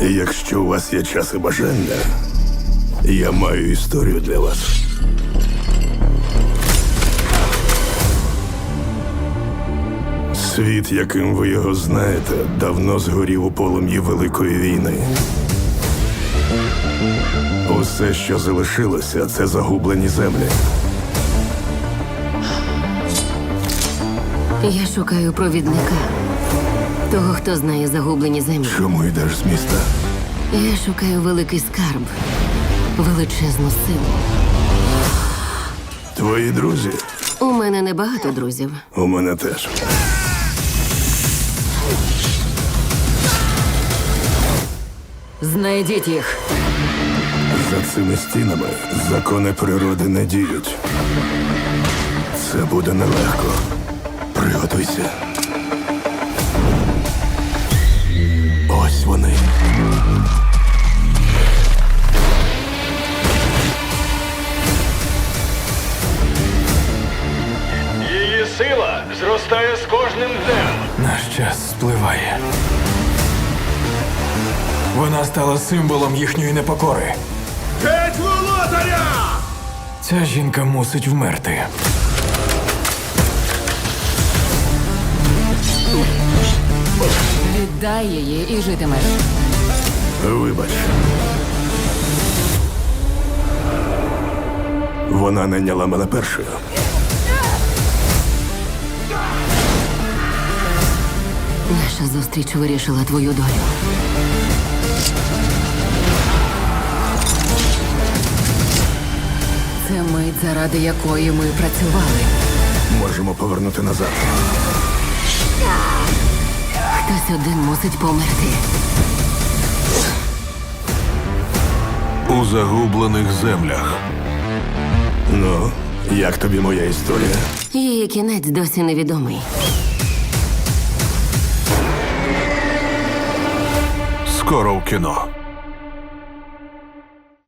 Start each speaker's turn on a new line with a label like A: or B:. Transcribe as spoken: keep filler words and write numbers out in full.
A: Якщо у вас є час і бажання, я маю історію для вас. Світ, яким ви його знаєте, давно згорів у полум'ї Великої війни. Усе, що залишилося, це загублені землі.
B: Я шукаю провідника. Того, хто знає загублені землі.
A: Чому йдеш з міста?
B: Я шукаю великий скарб. Величезну силу.
A: Твої друзі?
B: У мене небагато друзів.
A: У мене теж.
B: Знайдіть їх.
A: За цими стінами закони природи не діють. Це буде нелегко. Приготуйся. Ось вони.
C: Її сила зростає з кожним днем.
D: Наш час спливає. Вона стала символом їхньої непокори.
C: Геть володаря!
D: Ця жінка мусить вмерти.
B: Віддай її і житимеш.
A: Вибач. Вона найняла мене першою.
B: Наша зустріч вирішила твою долю. Це мить, заради якої ми працювали.
A: Можемо повернути назад.
B: Хтось один мусить померти.
A: У загублених землях. Ну, як тобі моя історія?
B: Її кінець досі невідомий.
A: Скоро в кіно.